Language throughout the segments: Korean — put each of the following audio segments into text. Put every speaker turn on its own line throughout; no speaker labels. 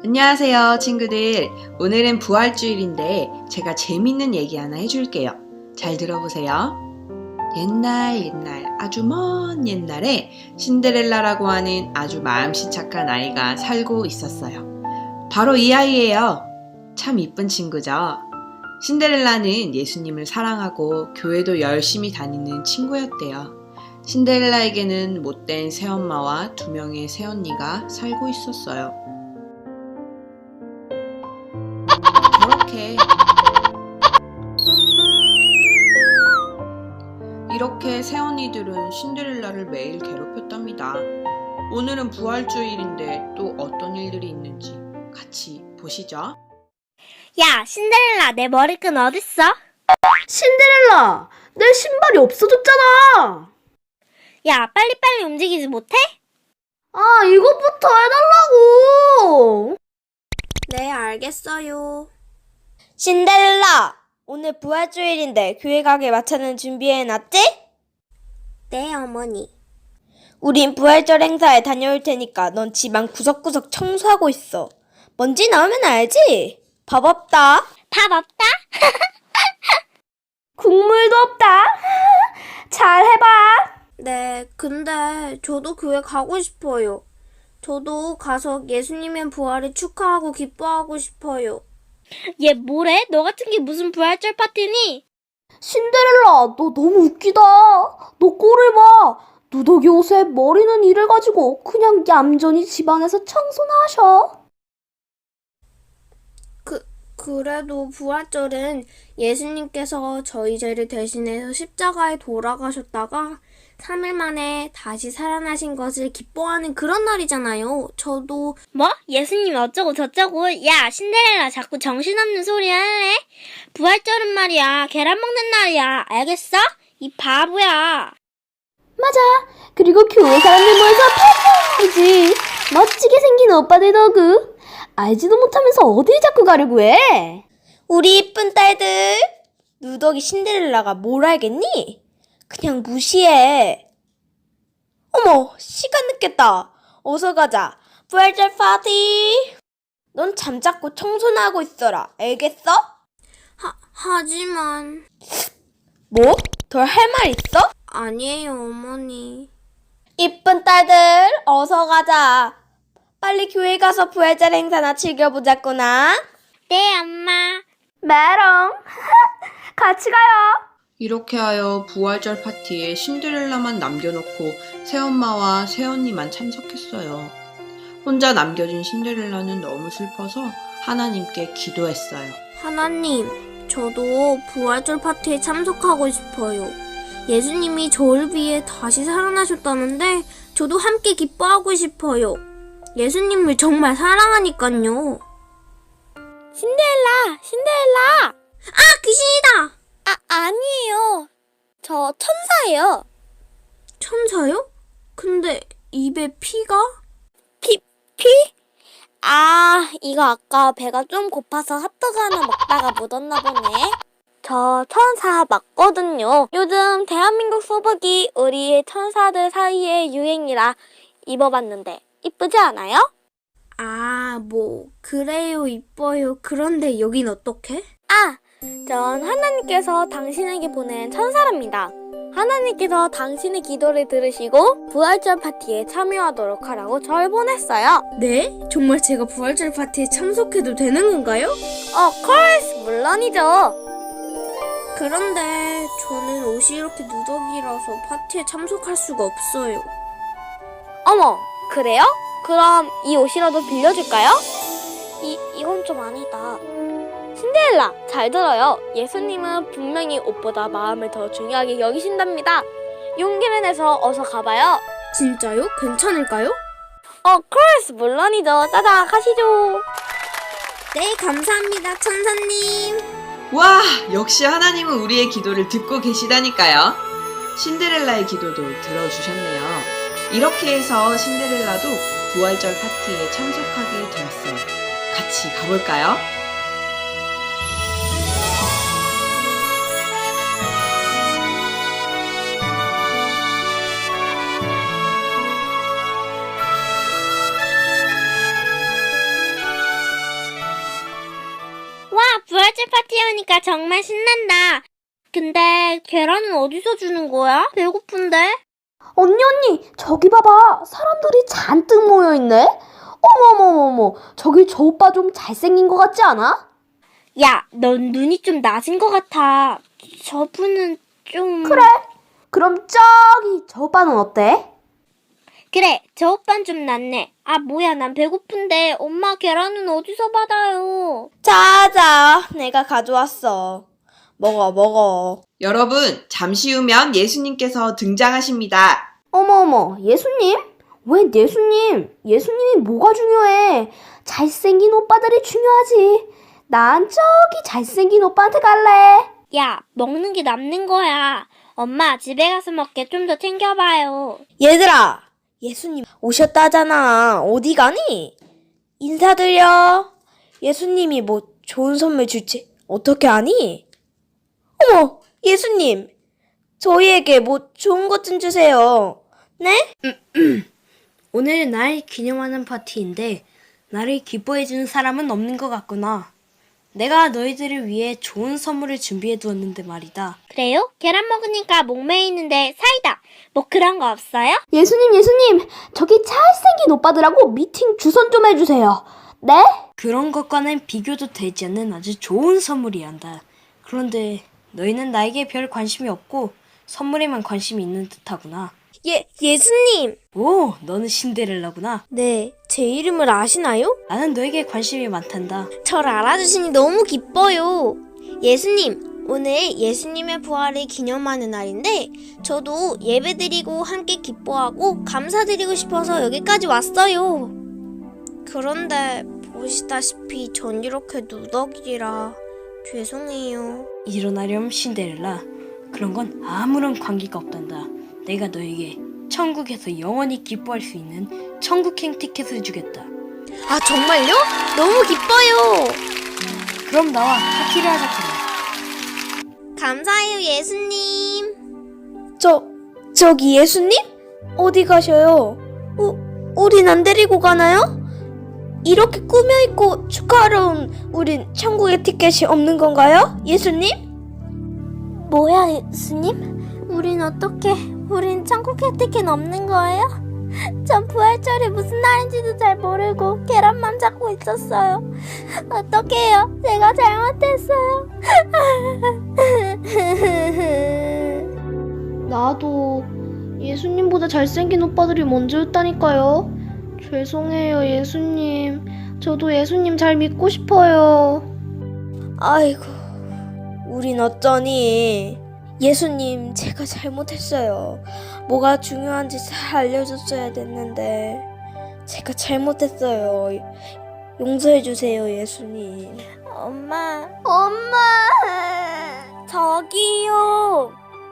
안녕하세요, 친구들. 오늘은 부활주일인데 제가 재밌는 얘기 하나 해줄게요. 잘 들어보세요. 옛날 아주 먼 옛날에 신데렐라라고 하는 아주 마음씨 착한 아이가 살고 있었어요. 바로 이 아이예요. 참 이쁜 친구죠. 신데렐라는 예수님을 사랑하고 교회도 열심히 다니는 친구였대요. 신데렐라에게는 못된 새엄마와 2명의 새언니가 살고 있었어요. 이렇게 새언니들은 신데렐라를 매일 괴롭혔답니다. 오늘은 부활주일인데 또 어떤 일들이 있는지 같이 보시죠.
야, 신데렐라, 내 머리끈 어딨어?
신데렐라, 내 신발이 없어졌잖아.
야, 빨리빨리 움직이지 못해?
아, 이것부터 해달라고.
네, 알겠어요. 신데렐라, 오늘 부활주일인데 교회 가게 마차는 준비해놨지? 네, 어머니. 우린 부활절 행사에 다녀올 테니까 넌 집안 구석구석 청소하고 있어. 먼지 나오면 알지? 밥 없다. 밥 없다?
국물도 없다. 잘 해봐.
네, 근데 저도 교회 가고 싶어요. 저도 가서 예수님의 부활을 축하하고 기뻐하고 싶어요. 얘 뭐래? 너 같은 게 무슨 부활절 파티니?
신데렐라, 너 너무 웃기다. 너 꼴을 봐. 누더기 옷에 머리는 이래가지고 그냥 얌전히 집안에서 청소나 하셔.
그래도 부활절은 예수님께서 저희 죄를 대신해서 십자가에 돌아가셨다가 3일 만에 다시 살아나신 것을 기뻐하는 그런 날이잖아요. 저도 뭐? 예수님 어쩌고 저쩌고. 야, 신데렐라 자꾸 정신없는 소리 할래? 부활절은 말이야 계란 먹는 날이야. 알겠어? 이 바보야.
맞아. 그리고 교회 사람들 모여서 파티하지. 멋지게 생긴 오빠들 덕후. 알지도 못하면서 어딜 자꾸 가려고 해?
우리 이쁜 딸들, 누더기 신데렐라가 뭘 알겠니? 그냥 무시해. 어머, 시간 늦겠다. 어서 가자. 부활절 파티. 넌 잠자코 청소나 하고 있어라. 알겠어? 하지만... 뭐? 더 할 말 있어? 아니에요, 어머니. 이쁜 딸들, 어서 가자. 빨리 교회 가서 부활절 행사나 즐겨보자꾸나. 네, 엄마.
메롱. 같이 가요.
이렇게 하여 부활절 파티에 신데렐라만 남겨놓고 새엄마와 새언니만 참석했어요. 혼자 남겨진 신데렐라는 너무 슬퍼서 하나님께 기도했어요.
하나님, 저도 부활절 파티에 참석하고 싶어요. 예수님이 저를 위해 다시 살아나셨다는데 저도 함께 기뻐하고 싶어요. 예수님을 정말 사랑하니깐요. 신데렐라! 아, 귀신이다! 아니에요. 저 천사예요. 천사요? 근데 입에 피가? 피? 아, 이거 아까 배가 좀 고파서 핫도그 하나 먹다가 묻었나 보네. 저 천사 맞거든요. 요즘 대한민국 소복이 우리 천사들 사이에 유행이라 입어봤는데 이쁘지 않아요? 아, 그래요, 이뻐요. 그런데 여긴 어떡해? 전 하나님께서 당신에게 보낸 천사랍니다. 하나님께서 당신의 기도를 들으시고 부활절 파티에 참여하도록 하라고 절 보냈어요. 네? 정말 제가 부활절 파티에 참석해도 되는 건가요? course, 물론이죠. 그런데 저는 옷이 이렇게 누더기라서 파티에 참석할 수가 없어요. 어머, 그래요? 그럼 이 옷이라도 빌려줄까요? 이건 좀 아니다. 신데렐라, 잘 들어요. 예수님은 분명히 옷보다 마음을 더 중요하게 여기신답니다. 용기를 내서 어서 가봐요. 진짜요? 괜찮을까요? course, 물론이죠. 짜자, 가시죠. 네, 감사합니다, 천사님.
와, 역시 하나님은 우리의 기도를 듣고 계시다니까요. 신데렐라의 기도도 들어주셨네요. 이렇게 해서 신데렐라도 부활절 파티에 참석하게 되었어요. 같이 가볼까요?
부활절 파티 하니까 정말 신난다. 근데 계란은 어디서 주는 거야? 배고픈데?
언니, 저기 봐봐. 사람들이 잔뜩 모여있네? 어머머머머, 저기 저 오빠 좀 잘생긴 것 같지 않아?
야, 넌 눈이 좀 낮은 것 같아. 저분은 좀...
그래. 그럼 저기 저 오빠는 어때?
그래, 저 오빠는 좀 낫네. 아, 뭐야, 난 배고픈데 엄마 계란은 어디서 받아요?
자자, 내가 가져왔어. 먹어.
여러분, 잠시 후면 예수님께서 등장하십니다.
어머어머, 예수님? 왜 예수님? 예수님이 뭐가 중요해? 잘생긴 오빠들이 중요하지. 난 저기 잘생긴 오빠한테 갈래.
야, 먹는 게 남는 거야. 엄마, 집에 가서 먹게 좀 더 챙겨봐요.
얘들아, 예수님 오셨다잖아. 어디 가니? 인사드려. 예수님이 뭐 좋은 선물 줄지 어떻게 아니? 어머, 예수님. 저희에게 뭐 좋은 것 좀 주세요. 네?
오늘 날 기념하는 파티인데 나를 기뻐해주는 사람은 없는 것 같구나. 내가 너희들을 위해 좋은 선물을 준비해 두었는데 말이다.
그래요? 계란 먹으니까 목매이는데 사이다. 뭐 그런 거 없어요?
예수님, 저기 잘생긴 오빠들하고 미팅 주선 좀 해주세요. 네?
그런 것과는 비교도 되지 않는 아주 좋은 선물이란다. 그런데 너희는 나에게 별 관심이 없고 선물에만 관심이 있는 듯하구나.
예수님.
오, 너는 신데렐라구나.
네, 제 이름을 아시나요?
나는 너에게 관심이 많단다.
절 알아주시니 너무 기뻐요. 예수님, 오늘 예수님의 부활을 기념하는 날인데 저도 예배드리고 함께 기뻐하고 감사드리고 싶어서 여기까지 왔어요. 그런데 보시다시피 전 이렇게 누더기라 죄송해요.
일어나렴 신데렐라. 그런 건 아무런 관계가 없단다. 내가 너에게 천국에서 영원히 기뻐할 수 있는 천국행 티켓을 주겠다.
아 정말요? 너무 기뻐요.
그럼 나와 파티를 하자 그래.
감사해요 예수님. 저기 예수님? 어디 가셔요? 우린 안 데리고 가나요? 이렇게 꾸며입고 축하하러 온 우린 천국의 티켓이 없는 건가요? 예수님?
뭐야, 예수님? 우린 우린 천국의 티켓 없는 거예요? 전 부활절이 무슨 날인지도 잘 모르고 계란만 잡고 있었어요. 어떡해요? 제가 잘못했어요.
나도 예수님보다 잘생긴 오빠들이 먼저였다니까요. 죄송해요, 예수님. 저도 예수님 잘 믿고 싶어요.
아이고, 우린 어쩌니? 예수님, 제가 잘못했어요. 뭐가 중요한지 잘 알려줬어야 됐는데 제가 잘못했어요. 용서해주세요, 예수님.
엄마. 저기요.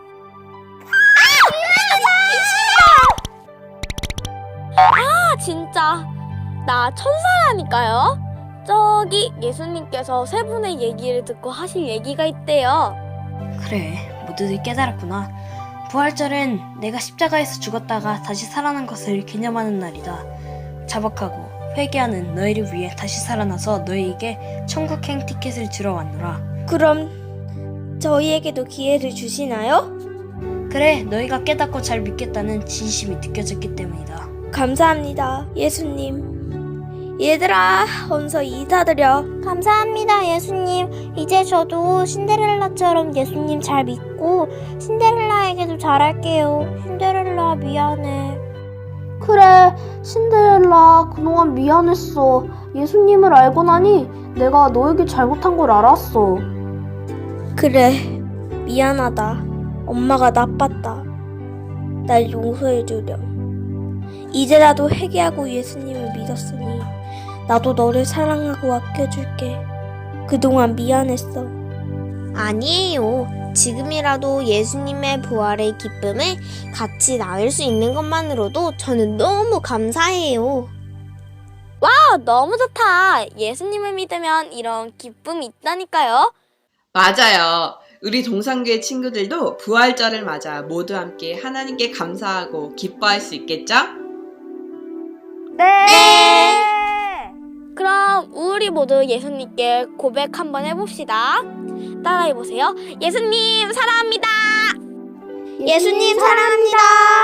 아, 진짜. 나 천사라니까요. 저기 예수님께서 세 분의 얘기를 듣고 하실 얘기가 있대요.
그래, 모두들 깨달았구나. 부활절은 내가 십자가에서 죽었다가 다시 살아난 것을 기념하는 날이다. 자박하고 회개하는 너희를 위해 다시 살아나서 너희에게 천국행 티켓을 주러 왔노라.
그럼 저희에게도 기회를 주시나요?
그래, 너희가 깨닫고 잘 믿겠다는 진심이 느껴졌기 때문이다.
감사합니다, 예수님. 얘들아, 어서 인사드려.
감사합니다, 예수님. 이제 저도 신데렐라처럼 예수님 잘 믿고 신데렐라에게도 잘할게요. 신데렐라 미안해.
그래, 신데렐라, 그동안 미안했어. 예수님을 알고 나니 내가 너에게 잘못한 걸 알았어.
그래, 미안하다. 엄마가 나빴다. 날 용서해주렴. 이제라도 회개하고 예수님을 믿었으니 나도 너를 사랑하고 아껴줄게. 그동안 미안했어. 아니에요. 지금이라도 예수님의 부활의 기쁨에 같이 나눌 수 있는 것만으로도 저는 너무 감사해요.
너무 좋다. 예수님을 믿으면 이런 기쁨이 있다니까요.
맞아요. 우리 동산교회 친구들도 부활절을 맞아 모두 함께 하나님께 감사하고 기뻐할 수 있겠죠?
그럼 그럼 우리 모두 예수님께 고백 한번 해봅시다. 따라해보세요. 예수님 사랑합니다.
예수님 사랑합니다.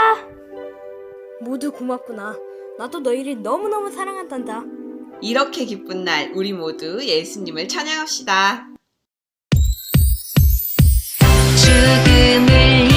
모두 고맙구나. 나도 너희를 너무너무 사랑한단다.
이렇게 기쁜 날 우리 모두 예수님을 찬양합시다.
죽음을